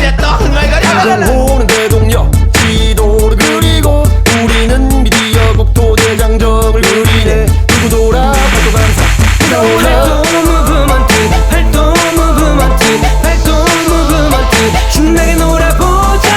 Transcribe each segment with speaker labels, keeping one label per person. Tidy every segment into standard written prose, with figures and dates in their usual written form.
Speaker 1: 인정호는 대동력 지도를 그리고 우리는 미디어국 도대장정을 그리네. 두고 돌아 발도 감사 활동 무브먼트 활동 무브먼트 활동 무브먼트 신나게 놀아보자.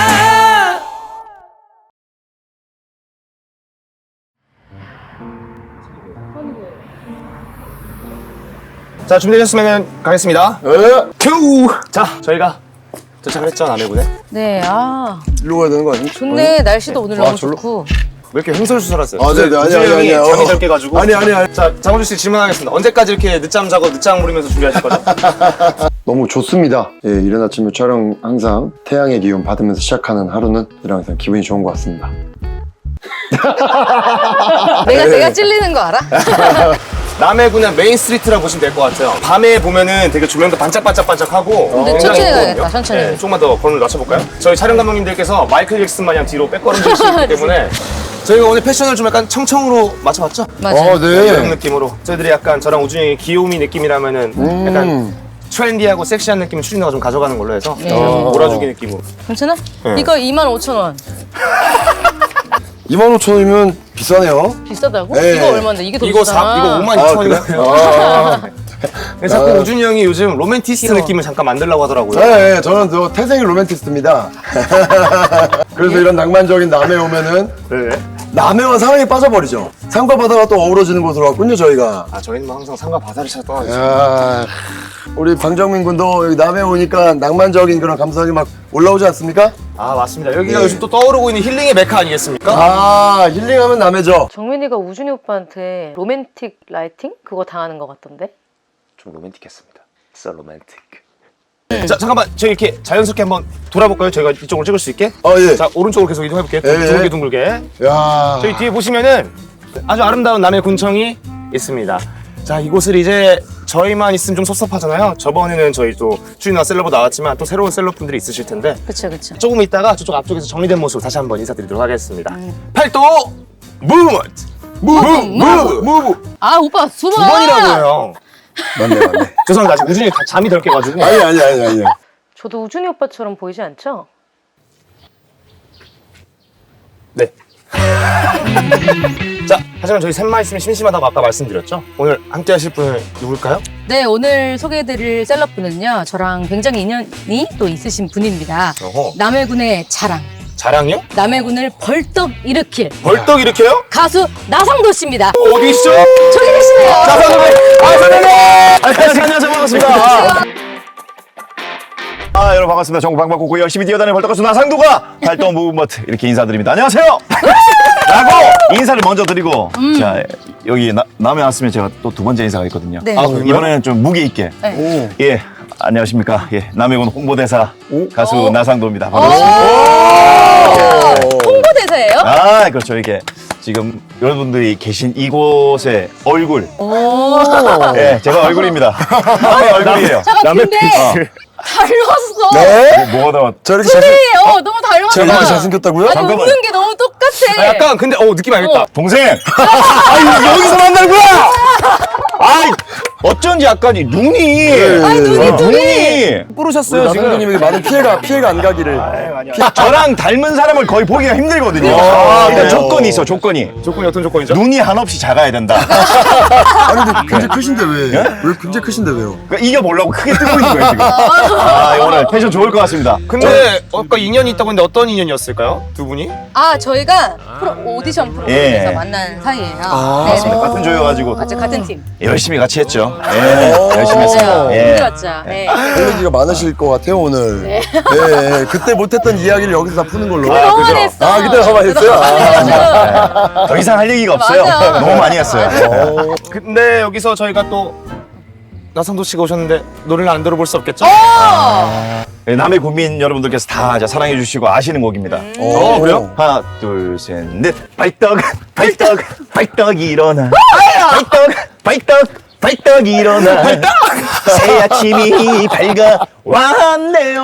Speaker 2: 자, 준비되셨으면 가겠습니다. 큐! 자, 저희가 도착을 했죠, 남해군에.
Speaker 3: 네,
Speaker 4: 일로 가야 되는 거 아니야?
Speaker 3: 좋네. 날씨도 오늘 너무 좋고.
Speaker 2: 왜 이렇게 흥설수설하세요?
Speaker 4: 아, 네네, 아니.
Speaker 2: 잠이 덜 깨가지고.
Speaker 4: 아니.
Speaker 2: 자, 장호준 씨 질문하겠습니다. 언제까지 이렇게 늦잠 자고 늦장 부리면서 준비하실 거죠?
Speaker 4: 너무 좋습니다. 예, 이른 아침에 촬영 항상 태양의 기운 받으면서 시작하는 하루는 항상 기분이 좋은 것 같습니다.
Speaker 3: 내가 찔리는 거 알아?
Speaker 2: 남해군은 메인 스트리트라고 보시면 될 것 같아요. 밤에 보면은 되게 조명도 반짝반짝반짝하고.
Speaker 3: 근데
Speaker 2: 굉장히
Speaker 3: 천천히
Speaker 2: 이쁘거든요.
Speaker 3: 가야겠다, 천천히.
Speaker 2: 네, 조금만 더 걸음을 낮춰볼까요? 저희 촬영 감독님들께서 마이클 잭슨 마냥 뒤로 백걸음질 수 있기 때문에 저희가 오늘 패션을 좀 약간 청청으로 맞춰봤죠?
Speaker 3: 맞아요.
Speaker 2: 이런 느낌으로. 저희들이 약간 저랑 우준이 형의 귀요미 느낌이라면은 약간 트렌디하고 섹시한 느낌 추리너가 좀 가져가는 걸로 해서 몰아주기 느낌으로.
Speaker 3: 괜찮아?
Speaker 2: 네.
Speaker 3: 이거 25,000원.
Speaker 4: 25,000원이면 비싸네요.
Speaker 3: 비싸다고?
Speaker 4: 네.
Speaker 3: 이거 얼마인데? 이게 더
Speaker 2: 이거
Speaker 3: 비싸잖아.
Speaker 2: 이거 52,000원이거든요. 자꾸 우준이 형이 요즘 로맨티스트
Speaker 3: 귀여워.
Speaker 2: 느낌을 잠깐 만들려고 하더라고요.
Speaker 4: 네, 저는 저 태생이 로맨티스트입니다. 그래서 이런 낭만적인 남해 오면은
Speaker 2: 네.
Speaker 4: 남해와 사랑에 빠져버리죠. 산과 바다가 또 어우러지는 곳으로 왔군요, 저희가.
Speaker 2: 아, 저희는 뭐 항상 산과 바다를 찾아 떠나죠.
Speaker 4: 야, 우리 방정민 군도 여기 남해 오니까 낭만적인 그런 감성이 막 올라오지 않습니까?
Speaker 2: 아, 맞습니다. 여기가
Speaker 4: 네.
Speaker 2: 요즘 또 떠오르고 있는 힐링의 메카 아니겠습니까?
Speaker 4: 아, 힐링하면 남해죠.
Speaker 3: 정민이가 우준이 오빠한테 로맨틱 라이팅? 그거 당하는 것 같던데?
Speaker 2: 좀 로맨틱했습니다. So romantic. 자, 잠깐만. 저희 이렇게 자연스럽게 한번 돌아볼까요? 저희가 이쪽으로 찍을 수 있게.
Speaker 4: 예.
Speaker 2: 자, 오른쪽으로 계속 이동해볼게요.
Speaker 4: 예.
Speaker 2: 둥글게.
Speaker 4: 야,
Speaker 2: 저희 뒤에 보시면은 아주 아름다운 남해 군청이 있습니다. 자, 이곳을 이제 저희만 있으면 좀 섭섭하잖아요. 저번에는 저희 또 주인과 셀럽도 나왔지만 또 새로운 셀럽분들이 있으실 텐데
Speaker 3: 그쵸, 그쵸.
Speaker 2: 조금 있다가 저쪽 앞쪽에서 정리된 모습 다시 한번 인사드리도록 하겠습니다. 팔도 무브먼트! 무브!
Speaker 3: 아, 오빠 두
Speaker 2: 두
Speaker 3: 번!
Speaker 2: 번이라고요.
Speaker 4: 맞네.
Speaker 2: 죄송합니다. 아직 우준이 다 잠이 덜 깨가지고.
Speaker 4: 아니.
Speaker 3: 저도 우준이 오빠처럼 보이지 않죠?
Speaker 2: 네. 자, 하지만 저희 셋만 있으면 심심하다고 아까 말씀드렸죠? 오늘 함께 하실 분은 누굴까요?
Speaker 3: 네, 오늘 소개해드릴 셀럽분은요, 저랑 굉장히 인연이 또 있으신 분입니다.
Speaker 2: 어허.
Speaker 3: 남해군의 자랑,
Speaker 2: 자랑이요?
Speaker 3: 남해군을 벌떡 일으킬
Speaker 2: 벌떡 일으켜요?
Speaker 3: 가수 나상도 씨입니다.
Speaker 2: 어디 있죠?
Speaker 3: 저기 계시네요.
Speaker 2: 자, 선생님! 선생님! 안녕하세요. 반갑습니다.
Speaker 5: 여러분 반갑습니다. 전국 방방곡곡 열심히 뛰어다니는 벌떡가수 나상도가 활동 무브먼트 이렇게 인사드립니다. 안녕하세요! 라고 인사를 먼저 드리고 자 여기 남해 왔으면 제가 또 두 번째 인사가 있거든요.
Speaker 3: 네.
Speaker 5: 이번에는 좀 무게 있게
Speaker 3: 네.
Speaker 5: 예 안녕하십니까 예 남해군 홍보대사 가수 나상도입니다. 반갑습니다.
Speaker 3: 홍보대사예요?
Speaker 5: 아 그렇죠 이게 지금 여러분들이 계신 이곳의 얼굴 예 제가 얼굴입니다. 남해 얼굴이에요.
Speaker 3: 잠깐, 근데 닮았어.
Speaker 4: 네?
Speaker 5: 뭐가 나왔
Speaker 4: 저렇게
Speaker 3: 너무 닮았어.
Speaker 4: 제가 이렇게 잘생겼다고요?
Speaker 3: 아니, 웃는 게 너무 똑같아.
Speaker 2: 약간 근데 느낌 알겠다.
Speaker 5: 동생! 아니, 여기서 만난 거야! 아이, 어쩐지 약간 이 눈이.
Speaker 3: 아니, 눈이.
Speaker 2: 뿌르셨어요, 지금.
Speaker 4: 나상도님에게 많은 피해가 안 가기를.
Speaker 5: 저랑 닮은 사람을 거의 보기가 힘들거든요.
Speaker 2: 아,
Speaker 5: 일단
Speaker 2: 그래요?
Speaker 5: 조건이 있어, 조건이.
Speaker 2: 조건이 어떤 조건이죠?
Speaker 5: 눈이 한없이 작아야 된다.
Speaker 4: 아니, 근데 굉장히 크신데 왜?
Speaker 5: 예?
Speaker 4: 왜 굉장히 크신데 왜요?
Speaker 5: 그러니까 이겨보려고 크게 뜨고 있는 거예요, 지금. 오늘 텐션 좋을 것 같습니다.
Speaker 2: 근데 아까 인연이 있다고 했는데 어떤 인연이었을까요? 두 분이?
Speaker 3: 아, 저희가 오디션 프로그램에서
Speaker 5: 예.
Speaker 3: 만난 사이예요.
Speaker 5: 맞습니다. 같은 조여가지고
Speaker 3: 맞아, 같은 팀.
Speaker 5: 열심히 같이 했죠. 예, 열심히 했어요. 예.
Speaker 3: 힘들었죠. 네.
Speaker 4: 할 얘기가 많으실 것 같아요, 오늘. 네. 그때 못했던 이야기를 여기서 다 푸는 걸로.
Speaker 3: 너무 많이 했어.
Speaker 4: 그때 너무 많이 했어요?
Speaker 5: 더 이상 할 얘기가 없어요.
Speaker 3: 맞아.
Speaker 5: 너무 많이 했어요.
Speaker 2: 근데 여기서 저희가 또 나상도 씨가 오셨는데 노래를 안 들어볼 수 없겠죠?
Speaker 5: 남해 군민 여러분들께서 다 이제 사랑해 주시고 아시는 곡입니다.
Speaker 2: 그래요?
Speaker 5: 하나, 둘, 셋, 넷. 발떡 일어나. 발떡 일어나. 새 아침이 밝아왔네요.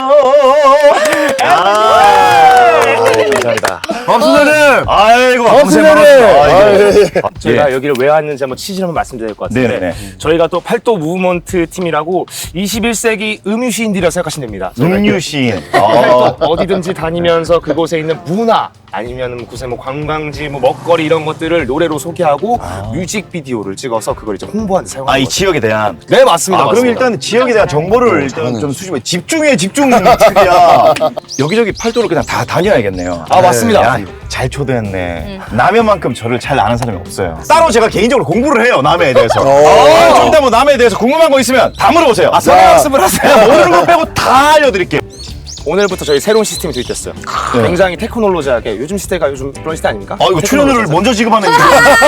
Speaker 5: 감사합니다.
Speaker 4: 박수님!
Speaker 5: 아이고,
Speaker 4: 박수님!
Speaker 5: 고생 많았습니다.
Speaker 2: 저희가
Speaker 5: 예.
Speaker 2: 여기를 왜 왔는지 한번 취지를 한번 말씀드릴 것 같은데
Speaker 5: 네네네.
Speaker 2: 저희가 또 팔도 무브먼트 팀이라고 21세기 음유시인들이라고 생각하시면 됩니다. 저희가
Speaker 5: 음유시인.
Speaker 2: 어디든지 다니면서 그곳에 있는 문화 아니면 곳에 뭐 관광지, 뭐 먹거리 이런 것들을 노래로 소개하고 뮤직비디오를 찍어서 그걸 이제 홍보하는 데 사용하는
Speaker 5: 이
Speaker 2: 거죠.
Speaker 5: 지역에 대한.
Speaker 2: 네 맞습니다.
Speaker 5: 그럼
Speaker 2: 맞습니다.
Speaker 5: 일단 지역에 대한 정보를 일단 좀 수집해. 집중해, 집중이야. 여기저기 팔도를 그냥 다 다녀야겠네요.
Speaker 2: 맞습니다.
Speaker 5: 야, 잘 초대했네. 남해만큼 저를 잘 아는 사람이 없어요. 따로 제가 개인적으로 공부를 해요, 남해에 대해서. 좀 이따 뭐 남해에 대해서 궁금한 거 있으면 다 물어보세요.
Speaker 2: 성형학습을 하세요.
Speaker 5: 모르는 거 빼고 다 알려드릴게요.
Speaker 2: 오늘부터 저희 새로운 시스템이 도입됐어요.
Speaker 5: 네.
Speaker 2: 굉장히 테크놀로지하게 요즘 시대가 요즘 그런 시대 아닙니까?
Speaker 5: 이거 출연료를 먼저 지급하는 게.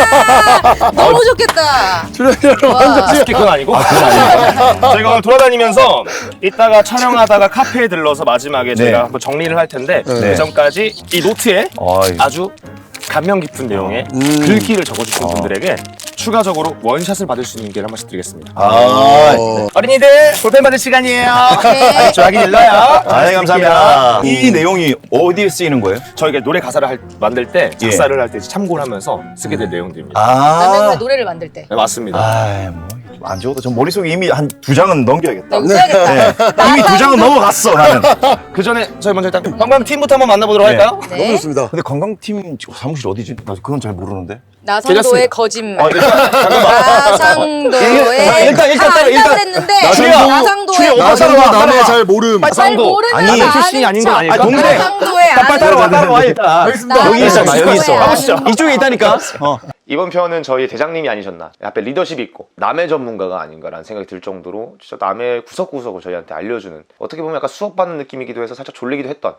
Speaker 3: 너무 좋겠다.
Speaker 2: 그건 아니고. 저희가 오늘 돌아다니면서 이따가 촬영하다가 카페에 들러서 마지막에 저희가 한번 정리를 할 텐데 그 전까지 이 노트에 아주 감명 깊은 내용의 글귀를 적어주신 분들에게 추가적으로 원샷을 받을 수 있는 기회를 한 번씩 드리겠습니다. 어린이들 볼펜 받을 시간이에요. 좋아하기 눌러요.
Speaker 5: 감사합니다. 이 내용이 어디에 쓰이는 거예요?
Speaker 2: 저희가 노래 가사를 만들 때 작사를 할 때 참고를 하면서 쓰게 될 내용들입니다.
Speaker 3: 남의 노래를 만들 때.
Speaker 2: 네, 맞습니다.
Speaker 5: 안 적어도 전 머릿속에 이미 한 2장은 넘겨야겠다.
Speaker 3: 써야겠다.
Speaker 5: 이미 2장은 넘어갔어, 나는.
Speaker 2: 그 전에 저희 먼저 일단 관광팀부터 한번 만나보도록 할까요?
Speaker 3: 네.
Speaker 4: 너무 좋습니다.
Speaker 5: 근데 관광팀 사무실 어디지? 나 그건 잘 모르는데.
Speaker 3: 나상도의 거짓말.
Speaker 2: 잠깐만.
Speaker 3: 나상도의
Speaker 2: 일단
Speaker 3: 했는데 나상도의
Speaker 4: 나상도 남의 잘 모름.
Speaker 3: 잘 모르면
Speaker 2: 아니, 출신이 아닌 건 아닐까?
Speaker 5: 동생.
Speaker 3: 나상도의
Speaker 5: 빨리 따라와 일단.
Speaker 3: 알겠습니다.
Speaker 5: 여기 있어,
Speaker 3: 나상도의
Speaker 5: 여기 있어.
Speaker 3: 아니.
Speaker 5: 가보시죠. 이쪽에 있다니까.
Speaker 2: 이번 편은 저희 대장님이 아니셨나 앞에 리더십이 있고 남해 전문가가 아닌가라는 생각이 들 정도로 진짜 남해 구석구석을 저희한테 알려주는 어떻게 보면 약간 수업받는 느낌이기도 해서 살짝 졸리기도 했던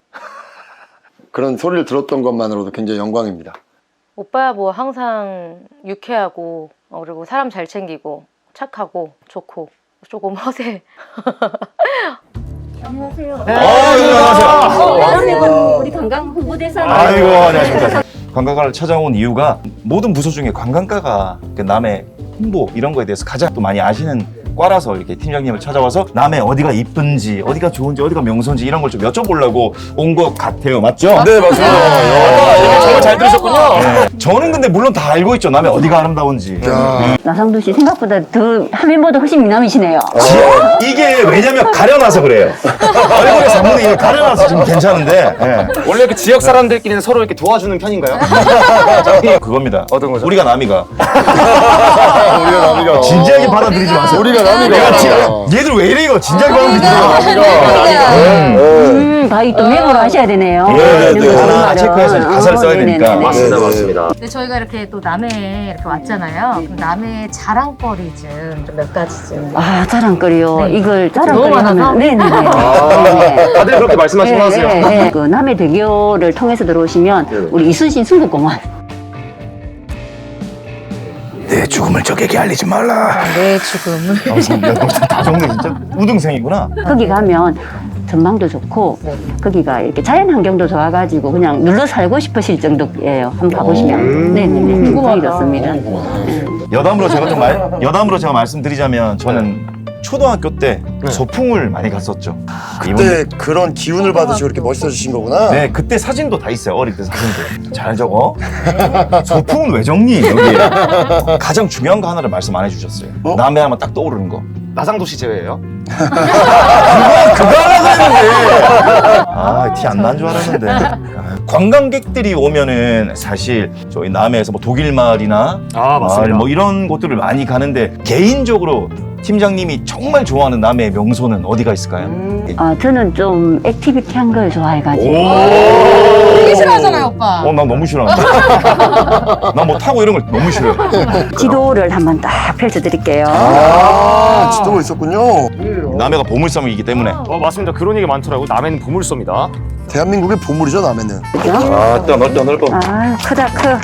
Speaker 4: 그런 소리를 들었던 것만으로도 굉장히 영광입니다.
Speaker 6: 오빠 뭐 항상 유쾌하고 그리고 사람 잘 챙기고 착하고 좋고 조금 허세.
Speaker 5: 안녕하세요.
Speaker 6: 대한민국 우리 관광 홍보대사님.
Speaker 5: 아이고, 안녕하십니까. 관광가를 찾아온 이유가 모든 부서 중에 관광가가 그 남해 홍보 이런 거에 대해서 가장 또 많이 아시는 과라서 이렇게 팀장님을 찾아와서 남해 어디가 이쁜지 어디가 좋은지 어디가 명소인지 이런 걸 좀 여쭤보려고 온 것 같아요. 맞죠?
Speaker 2: 네 맞습니다. 정말 잘 들으셨군요.
Speaker 5: 네. 저는 근데 물론 다 알고 있죠. 남해 어디가 아름다운지.
Speaker 7: 나상도 씨 생각보다 더 화면보다 훨씬 미남이시네요.
Speaker 5: 이게 왜냐면 가려놔서 그래요. 얼굴에 사문이 이게 가려놔서 좀 괜찮은데. 예.
Speaker 2: 원래 그 지역 사람들끼리는 서로 이렇게 도와주는 편인가요?
Speaker 5: 그겁니다.
Speaker 2: 어떤 거죠?
Speaker 5: 우리가 남이가.
Speaker 4: 우리가 남이가.
Speaker 5: 진지하게 받아들이지 마세요.
Speaker 4: 우리가 남이가.
Speaker 5: 얘들 왜 이래 이거 진지하게 받아들이지 마.
Speaker 7: 바위 또 메모를 하셔야 되네요.
Speaker 5: 네,
Speaker 7: 이런 거
Speaker 5: 하나
Speaker 7: 말은.
Speaker 5: 체크해서 가사를 써야
Speaker 7: 네네네.
Speaker 5: 되니까.
Speaker 2: 맞습니다 맞습니다.
Speaker 6: 근데 저희가 이렇게 또 남해에 이렇게 왔잖아요. 그럼 남해 자랑거리 좀 몇 가지 좀.
Speaker 7: 자랑거리요. 이걸 자랑거리
Speaker 6: 너무 많아서?
Speaker 7: 하면 네네네.
Speaker 2: 다들 그렇게 말씀하시고 하세요.
Speaker 7: 그 남해 대교를 통해서 들어오시면 우리 이순신 순국공원.
Speaker 5: 내 죽음을 적에게 알리지 말라.
Speaker 3: 내 죽음을.
Speaker 5: 다 적네 진짜. 우등생이구나.
Speaker 7: 거기 가면 전망도 좋고 거기가 이렇게 자연 환경도 좋아가지고 그냥 눌러 살고 싶으실 정도예요. 한번 가보시면. 네네네. 굉장히 좋습니다.
Speaker 5: 여담으로 제가 말씀드리자면 저는 초등학교 때 소풍을 많이 갔었죠.
Speaker 4: 그때 그런 기운을 받으시고 이렇게 멋있어지신 거구나.
Speaker 5: 네, 그때 사진도 다 있어요. 어릴 때 사진도. 잘 적어. 소풍은 왜 적니? 여기 가장 중요한 거 하나를 말씀 안 해주셨어요. 남해 하면 딱 떠오르는 거.
Speaker 2: 나상도 씨 제외예요?
Speaker 5: 그거 하려고 했는데. 티 안 난 줄 알았는데. 관광객들이 오면은 사실 저희 남해에서 뭐 독일마을이나 마을 뭐 이런 곳들을 많이 가는데 개인적으로 팀장님이 정말 좋아하는 남해의 명소는 어디가 있을까요?
Speaker 7: 저는 좀 액티비티한 걸 좋아해가지고.
Speaker 3: 되게 싫어하잖아요, 오빠.
Speaker 5: 난 너무 싫어하는데. 난 뭐 타고 이런 걸 너무 싫어해.
Speaker 7: 지도를 한번 딱 펼쳐드릴게요.
Speaker 4: 지도가 있었군요.
Speaker 5: 남해가 보물섬이기 때문에.
Speaker 2: 맞습니다. 그런 얘기 많더라고요. 남해는 보물소입니다.
Speaker 4: 대한민국의 보물이죠, 남해는.
Speaker 5: 넓어.
Speaker 7: 크다 커.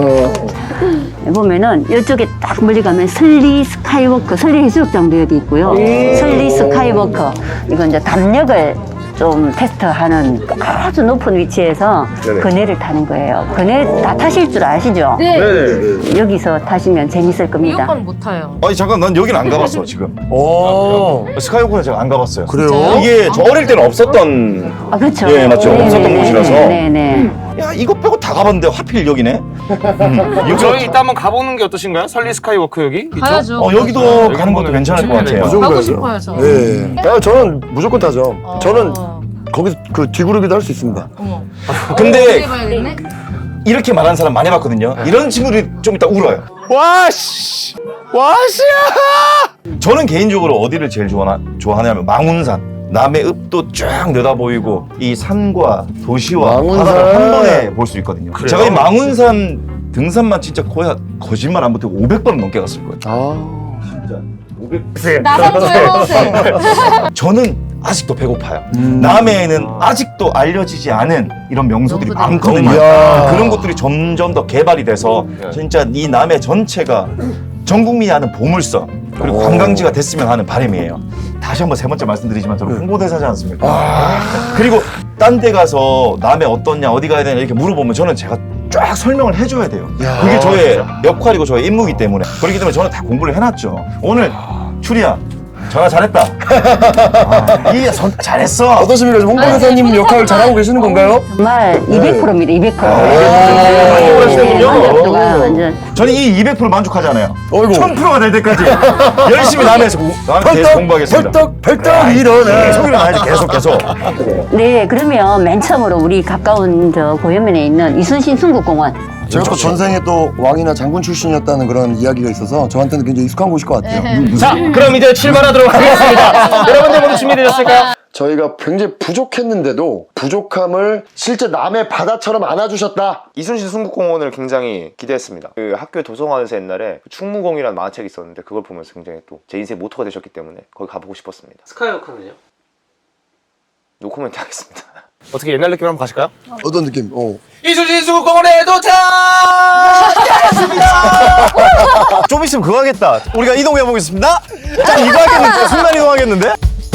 Speaker 7: 보면은 이쪽에 딱 멀리 가면 설리 스카이워크, 설리 해수욕장도 여기 있고요. 설리 스카이워크, 이건 이제 담력을 좀 테스트하는 아주 높은 위치에서 그네를 타는 거예요. 그네 다 타실 줄 아시죠?
Speaker 3: 네.
Speaker 7: 여기서 타시면 재밌을
Speaker 3: 이
Speaker 7: 겁니다.
Speaker 3: 오빠는 못 타요.
Speaker 5: 아니 잠깐 난 여기는 안 가봤어 지금. 스카이워크는 제가 안 가봤어요.
Speaker 4: 그래요?
Speaker 5: 이게 저 어릴 때는 없었던.
Speaker 7: 그렇죠.
Speaker 5: 예, 맞죠. 없었던 곳이라서.
Speaker 7: 네네.
Speaker 5: 야 이거 빼고 다 가봤는데 하필 여기네.
Speaker 2: 저희 이따 한번 가보는 게 어떠신가요? 설리 스카이워크 여기? 있죠?
Speaker 3: 가야죠.
Speaker 5: 여기도 가는 것도 괜찮을 것 같아요.
Speaker 4: 무조건
Speaker 3: 가고
Speaker 4: 가야죠.
Speaker 3: 싶어요, 저.
Speaker 4: 네. 저는 무조건 타죠. 저는 거기서 그 뒤구르기도 할 수 있습니다.
Speaker 3: 어머.
Speaker 5: 근데
Speaker 3: 해봐야겠네.
Speaker 5: 이렇게 말하는 사람 많이 봤거든요. 이런 친구들이 좀 이따 울어요. 와씨! 와씨야! 저는 개인적으로 어디를 제일 좋아하냐면 망운산. 남해 읍도 쫙 내다 보이고 이 산과 도시와
Speaker 4: 망운산.
Speaker 5: 바다를 한 번에 볼 수 있거든요.
Speaker 2: 그래요?
Speaker 5: 제가 이 망운산 등산만 진짜 거의 거짓말 안 못하고 500번 넘게 갔을 거예요.
Speaker 4: 아.
Speaker 5: 진짜 500번.
Speaker 3: 나상도 해보세요.
Speaker 5: 저는 아직도 배고파요. 남해에는 아직도 알려지지 않은 이런 명소들이
Speaker 3: 명소들이
Speaker 5: 많거든요.
Speaker 4: 이야.
Speaker 5: 그런 것들이 점점 더 개발이 돼서 진짜 이 남해 전체가 전 국민이 아는 보물섬 그리고 관광지가 됐으면 하는 바람이에요. 다시 한번 세 번째 말씀드리지만 저는 홍보대사지 않습니까? 그리고 딴 데 가서 남해 어떻냐 어디 가야 되냐 이렇게 물어보면 저는 제가 쫙 설명을 해줘야 돼요. 그게 저의 역할이고 저의 임무이기 때문에 그렇기 때문에 저는 다 공부를 해놨죠. 오늘 추리야 전화 잘했다. 이게 잘했어.
Speaker 4: 어떠십니까? 지금 홍보대사님 역할을 잘하고 계시는 건가요?
Speaker 7: 정말 200%입니다. 200%.
Speaker 5: 만족하시는군요.
Speaker 7: 완전.
Speaker 5: 저는 이 200% 만족하잖아요.
Speaker 4: 어이구.
Speaker 5: 1000%가 될 때까지 열심히 남해에서 계속 공부하겠습니다.
Speaker 4: 벌떡 일어나.
Speaker 5: 계속 일어나야지 계속.
Speaker 7: 네, 그러면 맨 처음으로 우리 가까운 저 고현면에 있는 이순신 순국공원.
Speaker 4: 제가 또 전생에 또 왕이나 장군 출신이었다는 그런 이야기가 있어서 저한테는 굉장히 익숙한 곳일 것 같아요.
Speaker 2: 자, 그럼 이제 출발하도록 하겠습니다. 여러분들 모두 준비되셨을까요?
Speaker 4: 저희가 굉장히 부족했는데도 부족함을 실제 남의 바다처럼 안아주셨다.
Speaker 8: 이순신 순국공원을 굉장히 기대했습니다. 그 학교 도서관에서 옛날에 충무공이라는 만화책이 있었는데 그걸 보면서 굉장히 또 제 인생 모토가 되셨기 때문에 거기 가보고 싶었습니다.
Speaker 2: 스카이워크는요?
Speaker 8: 노코멘트 하겠습니다.
Speaker 2: 어떻게 옛날 느낌으로 한번 가실까요?
Speaker 4: 어떤 느낌?
Speaker 2: 이순신 순국공원에 도착!
Speaker 5: 좀 있으면 그거 하겠다. 우리가 이동해 보겠습니다. 자 이거 하겠는데 순간 이동하겠는데?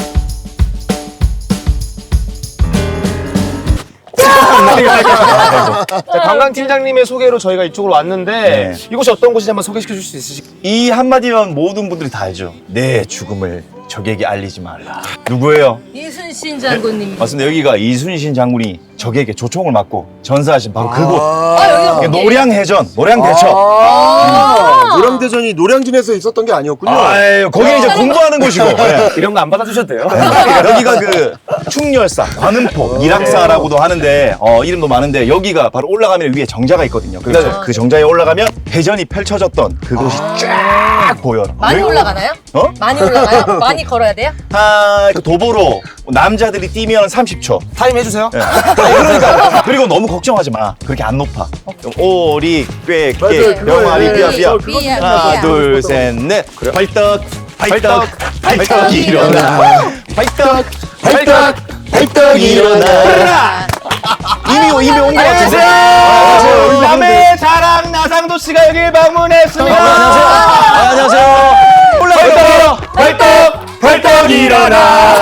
Speaker 2: 자, 관광팀장님의 소개로 저희가 이쪽으로 왔는데
Speaker 5: 네.
Speaker 2: 이곳이 어떤 곳인지 한번 소개시켜 줄 수 있으실까요?
Speaker 5: 이 한마디면 모든 분들이 다 알죠. 내 죽음을 적에게 알리지 말라. 누구예요?
Speaker 3: 이순신 장군님.
Speaker 5: 맞습니다. 여기가 이순신 장군이 적에게 조총을 맞고 전사하신 바로 그곳.
Speaker 3: 여기가
Speaker 5: 이게 노량해전, 노량대첩.
Speaker 4: 노량대전이 노량진에서 있었던 게 아니었군요.
Speaker 5: 아유, 거기는 이제 공부하는 곳이고. 네.
Speaker 2: 이런 거 안 받아주셔도 돼요.
Speaker 5: 여기가 그 충렬사, 관음포, 일악사라고도 하는데 이름도 많은데 여기가 바로 올라가면 위에 정자가 있거든요. 그래서 그 정자에 올라가면 해전이 펼쳐졌던 그곳이 쫙 보여요.
Speaker 3: 많이 올라가나요?
Speaker 5: 어?
Speaker 3: 많이 올라가요? 많이 걸어야 돼요?
Speaker 5: 그 도보로 남자들이 뛰면 30초.
Speaker 2: 타임 해주세요.
Speaker 5: 네. 그러니까 그리고 너무 걱정하지 마. 그렇게 안 높아. 오리 꾀깨 병아리 삐아삐아.
Speaker 3: 삐야,
Speaker 5: 하나
Speaker 3: 삐야.
Speaker 5: 둘 셋 넷. 발떡 발떡 일어나. 발떡 일어나. 이미 온 것 같은데.
Speaker 2: 안녕하세요. 남해 자랑 나상도 씨가 여기 방문했습니다.
Speaker 5: 안녕하세요. 올라가요.
Speaker 2: 발떡 일어나.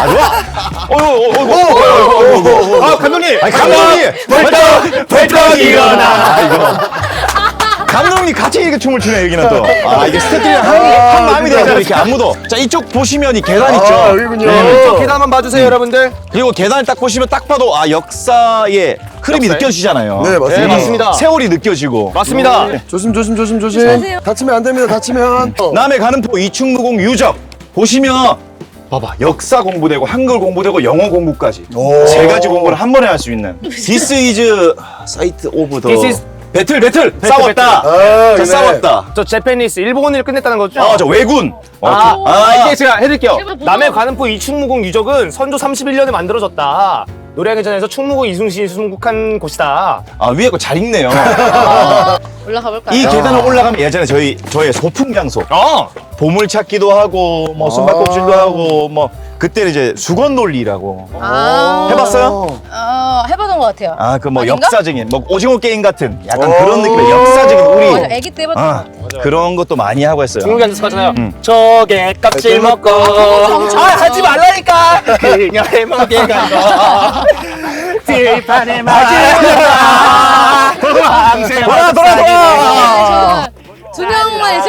Speaker 2: 아 감독님.
Speaker 5: 감독님.
Speaker 2: 발떡 일어나.
Speaker 5: 감독님 같이 이렇게 춤을 추네 여기는 또. 이게 스태프들이 한 마음이 되잖아 이렇게 안무도. 자 이쪽 보시면 이 계단 있죠.
Speaker 4: 여기군요.
Speaker 2: 이쪽 계단 한번 봐주세요 여러분들.
Speaker 5: 그리고 계단을 딱 보시면 딱 봐도 역사의 흐름이
Speaker 2: 역사의?
Speaker 5: 느껴지잖아요.
Speaker 4: 네, 맞습니다.
Speaker 2: 네, 맞습니다.
Speaker 5: 세월이 느껴지고.
Speaker 2: 맞습니다.
Speaker 4: 조심.
Speaker 3: 조심하세요.
Speaker 4: 다치면 안 됩니다. 다치면.
Speaker 5: 남해 가는포 이충무공 유적 보시면 봐봐 역사 공부되고 한글 공부되고 영어 공부까지
Speaker 4: 오.
Speaker 5: 세 가지 공부를 한 번에 할 수 있는 This is site of the
Speaker 2: This is
Speaker 5: 배틀 싸웠다.
Speaker 4: 아,
Speaker 5: 자,
Speaker 4: 네.
Speaker 5: 싸웠다.
Speaker 2: 저 제페니스 일본을 끝냈다는 거죠?
Speaker 5: 저 왜군.
Speaker 2: 이제 제가 해드릴게요. 남해 관음포 이충무공 유적은 선조 31년에 만들어졌다. 노량해전에서 충무공 이순신이 순국한 곳이다.
Speaker 5: 위에 거 잘 읽네요.
Speaker 3: 올라가 볼까요?
Speaker 5: 이 계단을 올라가면 예전에 저의 소풍 장소. 보물 찾기도 하고 뭐 숨바꼭질도 하고 뭐 그때는 이제 수건 논리라고 해봤어요?
Speaker 3: 해보던 것 같아요.
Speaker 5: 그 뭐
Speaker 3: 아닌가?
Speaker 5: 역사적인 뭐 오징어 게임 같은 약간 그런 느낌의 역사적인 우리
Speaker 3: 맞아, 애기 때 해봤던 것 같아요.
Speaker 5: 그런 것도 많이 하고 했어요.
Speaker 2: 중국에 앉아서 하잖아요. 저게 껍질 먹고 하지 말라니까 그녀의 목에 간거 들판에 맞으라
Speaker 5: 돌아.
Speaker 3: 두 명만 있을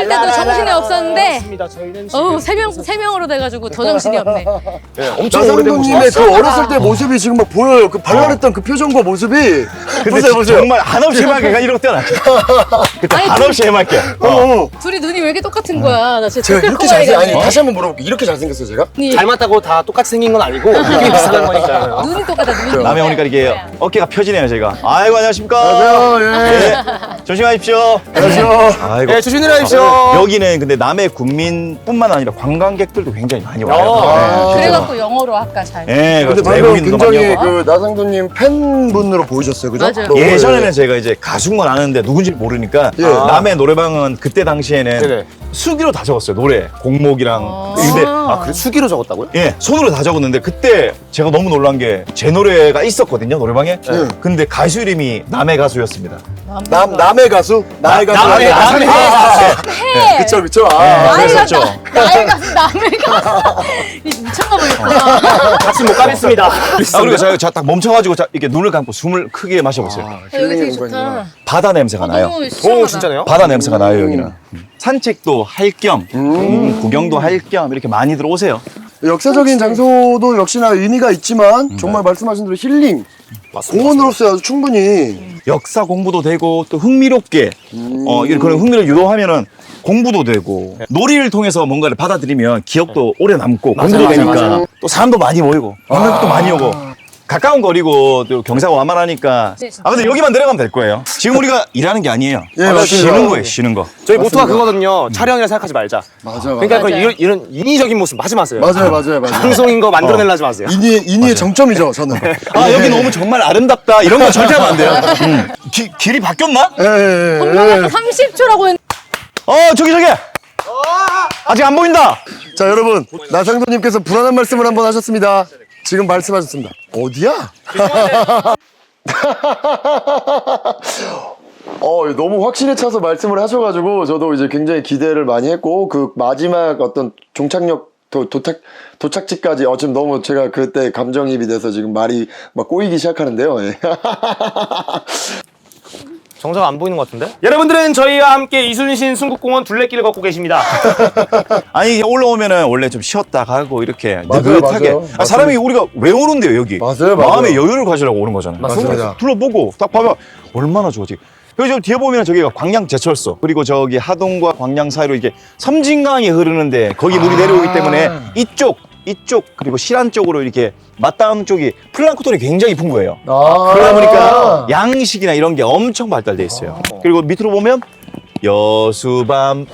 Speaker 3: 때도 정신이 없었는데
Speaker 2: 맞습니다. 저희는
Speaker 3: 세 명으로 돼가지고 더 정신이 없네.
Speaker 2: 엄청 오래된
Speaker 4: 나상도님의 그 어렸을 때 모습이 지금 막 보여요. 그 발랄했던 그 표정과 모습이.
Speaker 5: 근데 정말 한없이 해맑게가 이러고 뛰어났죠. 그때
Speaker 3: 아니,
Speaker 5: 한없이 해맑게.
Speaker 3: 둘이 눈이 왜 이렇게 똑같은 거야? 나 진짜
Speaker 4: 제가
Speaker 3: 댓글
Speaker 4: 이렇게
Speaker 3: 커버리겠네.
Speaker 4: 아니 다시 한번 물어볼게요. 이렇게 잘생겼어요 제가?
Speaker 2: 닮았다고 다 똑같이 생긴 건 아니고 느낌이 비슷한 거니까요.
Speaker 3: 눈이 똑같아, 눈이.
Speaker 5: 남해 오니까 이게 어깨가 펴지네요, 제가. 아이고, 안녕하십니까.
Speaker 4: 안녕하세요.
Speaker 5: 네. 조심하십시오.
Speaker 4: 안녕하세요.
Speaker 5: 아이고.
Speaker 2: 네, 조심히 내려가십시오.
Speaker 5: 여기는 근데 남해 국민뿐만 아니라 관광객들도 굉장히 많이 와요.
Speaker 2: 아,
Speaker 5: 네,
Speaker 3: 그래갖고 영어로 아까 잘.
Speaker 5: 예,
Speaker 4: 근데
Speaker 5: 그렇죠.
Speaker 4: 방금
Speaker 5: 외국인도 많이
Speaker 4: 굉장히
Speaker 5: 오고.
Speaker 4: 그 나상도님 팬분으로 보이셨어요, 그죠?
Speaker 3: 맞아요.
Speaker 4: 너무,
Speaker 5: 예전에는 제가 이제 가수인 건 아는데 누군지 모르니까
Speaker 4: 예.
Speaker 5: 남해 노래방은 그때 당시에는
Speaker 2: 네네.
Speaker 5: 수기로 다 적었어요, 노래 공목이랑. 근데
Speaker 2: 그래 수기로 적었다고요?
Speaker 5: 예, 손으로 다 적었는데 그때 제가 너무 놀란 게 제 노래가 있었거든요, 노래방에. 근데 가수 이름이 남해 가수였습니다.
Speaker 4: 남의 가수? 나의 가수?
Speaker 5: 남의 가수.
Speaker 3: 해.
Speaker 4: 그쵸, 그쵸.
Speaker 5: 그랬었죠.
Speaker 3: 나의 가수, 남의 가수. 미쳤나 보겠구나.
Speaker 2: 같이 못 가겠습니다.
Speaker 5: 그리고 제가 딱 멈춰가지고 이렇게 눈을 감고 숨을 크게 마셔보세요.
Speaker 3: 여기 되게 좋다.
Speaker 5: 바다 냄새가 나요.
Speaker 3: 너무 시원하다.
Speaker 2: 오 진짜네요?
Speaker 5: 바다 냄새가 나요, 여기는. 산책도 할 겸, 구경도 할 겸 이렇게 많이들 오세요.
Speaker 4: 역사적인 장소도 역시나 의미가 있지만 정말 말씀하신 대로 힐링, 공원으로서 아주 충분히
Speaker 5: 역사 공부도 되고 또 흥미롭게 이런 그런 흥미를 유도하면은 공부도 되고 놀이를 통해서 뭔가를 받아들이면 기억도 오래 남고 공부도 되니까 또 사람도 많이 모이고 관광객도 많이 오고 가까운 거리고 또 경사가 완만하니까 근데 여기만 내려가면 될 거예요. 지금 우리가 일하는 게 아니에요.
Speaker 4: 예, 맞습니다.
Speaker 5: 쉬는 거예요, 쉬는 거.
Speaker 2: 저희 모토가 그거거든요. 촬영이라 생각하지 말자.
Speaker 4: 맞아.
Speaker 2: 그러니까 그
Speaker 3: 맞아요.
Speaker 2: 이런 인위적인 모습 하지 마세요.
Speaker 4: 맞아요.
Speaker 2: 방송인 거 만들어내려 하지 마세요.
Speaker 4: 인의의 정점이죠, 저는.
Speaker 5: 여기 너무 정말 아름답다 이런 거 절대 하면 안 돼요. 길이 바뀌었나?
Speaker 4: 예.
Speaker 3: 30초라고 했는데.
Speaker 5: 저기 아직 안 보인다.
Speaker 4: 자, 여러분. 나상도님께서 불안한 말씀을 한번 하셨습니다. 지금 말씀하셨습니다. 어디야? 너무 확신에 차서 말씀을 하셔가지고 저도 이제 굉장히 기대를 많이 했고 그 마지막 어떤 종착역 도착지까지 지금 너무 제가 그때 감정이입이 돼서 지금 말이 막 꼬이기 시작하는데요. 예.
Speaker 2: 정작 안 보이는 것 같은데? 여러분들은 저희와 함께 이순신 순국공원 둘레길을 걷고 계십니다.
Speaker 5: 아니 올라오면은 원래 좀 쉬었다 가고 이렇게
Speaker 4: 맞아요,
Speaker 5: 느긋하게
Speaker 4: 맞아요.
Speaker 5: 사람이 우리가 왜 오는데요 여기?
Speaker 4: 맞아요.
Speaker 5: 마음의 여유를 가지려고 오는 거잖아요.
Speaker 4: 맞습니다.
Speaker 5: 둘러보고 딱 봐봐 얼마나 좋지. 그리고 저 뒤에 보면 저기가 광양 제철소 그리고 저기 하동과 광양 사이로 이게 섬진강이 흐르는데 거기 물이 내려오기 때문에 이쪽 그리고 실안 쪽으로 이렇게 맞닿은 쪽이 플랑크톤이 굉장히 풍부해요. 그러다 보니까 양식이나 이런 게 엄청 발달돼 있어요. 그리고 밑으로 보면 여수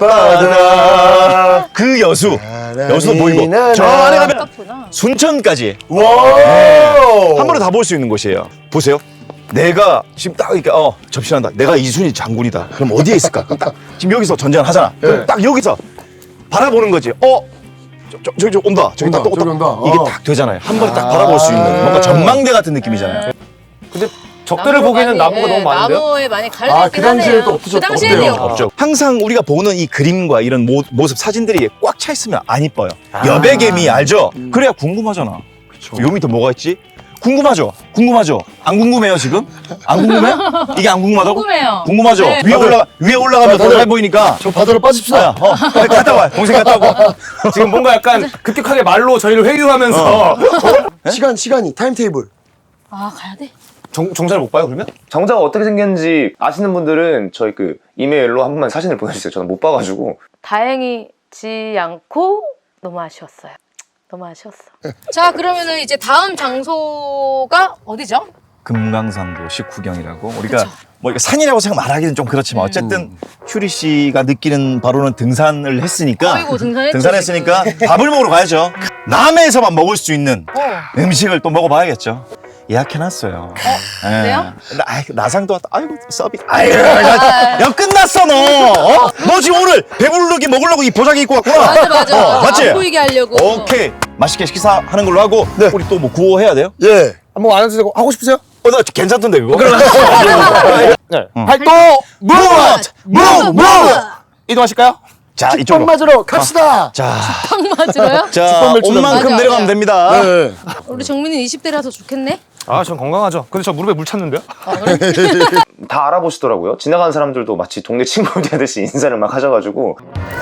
Speaker 5: 밤바다 그 여수도 보이고 저 안에 가면 순천까지 한 번에 다 볼 수 있는 곳이에요. 보세요. 내가 지금 딱 이렇게 접신한다. 내가 이순신 장군이다. 그럼 어디에 있을까? 그럼 딱 지금 여기서 전쟁하잖아. 그럼 딱 여기서 바라보는 거지. 저기 온다. 저기 딱
Speaker 4: 저기 온다.
Speaker 5: 이게 딱 되잖아요. 한 번에 딱 바라볼 수 있는 뭔가 전망대 같은 느낌이잖아요.
Speaker 2: 근데 적들을 보기에는 나무가 너무 많은데요?
Speaker 3: 나무에 많이 갈려있긴
Speaker 4: 그 당시에
Speaker 3: 하네요.
Speaker 4: 또 없으셨-
Speaker 3: 그 당시에는
Speaker 4: 없대요.
Speaker 5: 없죠. 항상 우리가 보는 이 그림과 이런 모습 사진들이 꽉 차 있으면 안 이뻐요. 여백개미 알죠? 그래야 궁금하잖아. 요 밑에 뭐가 있지? 궁금하죠? 안 궁금해요 지금? 안 궁금해? 이게 안 궁금하다고?
Speaker 3: 궁금해요.
Speaker 5: 궁금하죠?
Speaker 3: 네.
Speaker 5: 위에 올라가면 더 잘 보이니까.
Speaker 4: 저 바다로 빠집시다.
Speaker 5: 갔다 와. 동생 갔다 오고.
Speaker 2: 지금 뭔가 약간 급격하게 말로 저희를 회유하면서
Speaker 4: 시간이 타임테이블.
Speaker 3: 가야 돼?
Speaker 2: 정자를 못 봐요 그러면?
Speaker 8: 정자가 어떻게 생겼는지 아시는 분들은 저희 그 이메일로 한 번만 사진을 보내주세요. 저는 못 봐가지고.
Speaker 6: 다행이지 않고 너무 아쉬웠어요. 너무 아쉬웠어.
Speaker 3: 자, 그러면은 이제 다음 장소가 어디죠?
Speaker 5: 금강산도 식후경이라고 우리가 뭐 이거 산이라고 생각 말하기는 좀 그렇지만 어쨌든 휴리 씨가 느끼는 바로는 등산을 했으니까
Speaker 3: 아이고, 등산했죠,
Speaker 5: 등산했으니까 밥을 먹으러 가야죠. 남해에서만 먹을 수 있는 음식을 또 먹어봐야겠죠. 예약해놨어요.
Speaker 3: 그래요?
Speaker 5: 나상도 왔다. 아이고 서비스. 야 끝났어 너. 너 지금 오늘 배부르게 먹으려고 이 보자기 입고 왔구나.
Speaker 3: 맞아.
Speaker 5: 맞지?
Speaker 3: 안 보이게 하려고.
Speaker 5: 오케이 맛있게 식사하는 걸로 하고 우리 또 뭐 구호 해야 돼요?
Speaker 4: 예.
Speaker 2: 한번 안 해도 되고 하고 싶으세요?
Speaker 5: 나 괜찮던데 그거.
Speaker 2: 네. 활동
Speaker 5: 무.
Speaker 2: 이동하실까요?
Speaker 5: 자
Speaker 4: 빵
Speaker 5: 이쪽으로.
Speaker 4: 맞으러 갑시다.
Speaker 5: 자
Speaker 3: 딱 맞아요?
Speaker 5: 자, 온 만큼
Speaker 3: 맞아,
Speaker 5: 내려가면
Speaker 3: 맞아.
Speaker 5: 됩니다.
Speaker 4: 네.
Speaker 3: 우리 정민이 20대라서 좋겠네?
Speaker 2: 아, 전 건강하죠. 근데 저 무릎에 물 찼는데요?
Speaker 8: 다 알아보시더라고요. 지나가는 사람들도 마치 동네 친구들 되듯이 인사를 막 하셔가지고.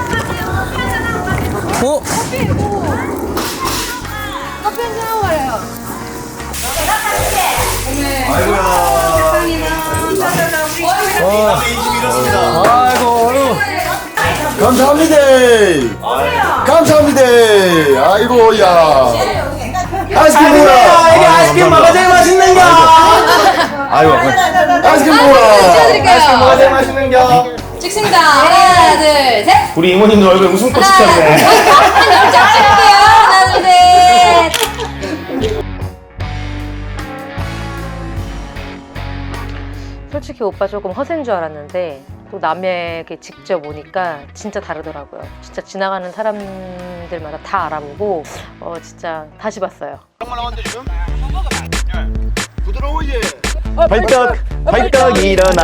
Speaker 4: 감사합니다. 감사합니다. 아이고, 야. 아이스크림 먹어라.
Speaker 1: 이게 아이스크림 뭐가 제일 맛있는 거?
Speaker 5: 아이고.
Speaker 4: 아이스크림 먹어라.
Speaker 3: 찍어드릴게요.
Speaker 2: 뭐가 제일 맛있는 겨?
Speaker 3: 찍습니다. 하나, 둘, 셋.
Speaker 2: 우리 이모님도 얼굴에 웃음꽃이 폈네.
Speaker 3: 짝 찍을게요. 하나, 둘, 셋.
Speaker 6: 솔직히 오빠 조금 허세인 줄 알았는데 또 남에게 직접 오니까 진짜 다르더라고요. 진짜 지나가는 사람들마다 다 알아보고 진짜 다시 봤어요.
Speaker 5: 발떡 일어나.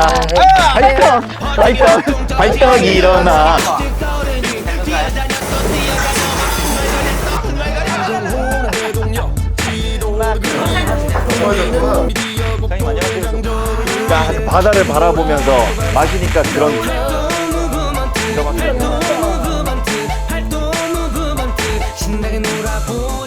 Speaker 5: 발떡 일어나. 그러니까 바다를 바라보면서 마시니까 그런
Speaker 1: 신나게 놀아보